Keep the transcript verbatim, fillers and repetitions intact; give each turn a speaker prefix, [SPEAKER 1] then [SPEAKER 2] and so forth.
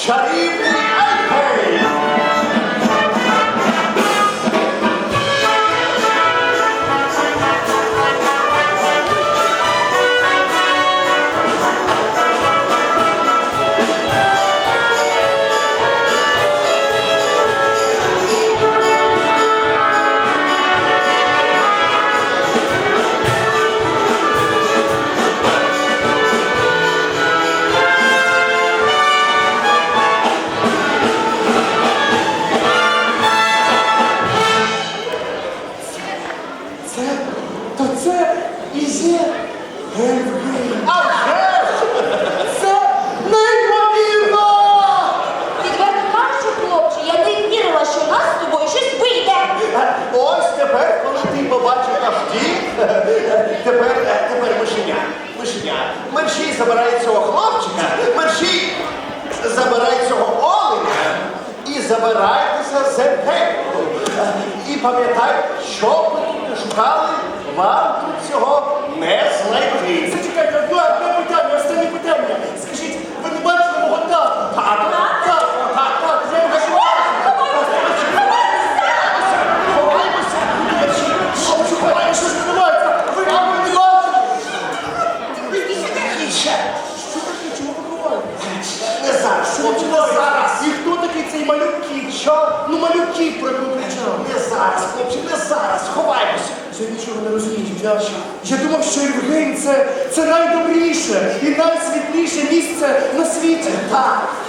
[SPEAKER 1] чарівний Ейфель.
[SPEAKER 2] То це і є Ейфель.
[SPEAKER 1] А вже ж!
[SPEAKER 2] Це неймовірно!
[SPEAKER 3] Відверто кажучи, хлопче, я не вірила, що у нас з тобою щось вийде.
[SPEAKER 1] Ось тепер, коли ти побачив наш дім, тепер, тепер мишеня, мишеня. Мерщій забирає цього хлопчика, мерщій забирає цього оленя і забирайтеся з Ейфелю. І пам'ятайте, що б ви тут не шукали, вам тут цього не знайти.
[SPEAKER 2] Зачекайте, одне питання, останнє питання. Скажіть, ви не бачили мого тата?
[SPEAKER 1] Так,
[SPEAKER 2] Так, так, так, я його
[SPEAKER 1] ховаймося,
[SPEAKER 2] Що ховаєш, що ж відбувається? Ви його не бачили?
[SPEAKER 1] тихіше.
[SPEAKER 2] Що таке, чому ви ховаєтесь?
[SPEAKER 1] Не зараз, хлопче, не зараз.
[SPEAKER 2] І хто такий цей малюк кіт? Що? Ну малюк кіт, про якого кричав.
[SPEAKER 1] Не зараз, хлопче, не зараз, ховаймося.
[SPEAKER 2] Я нічого не розумію. Я, я думав, що Євген це, це найдобріше і найсвітліше місце на світі.
[SPEAKER 1] Так,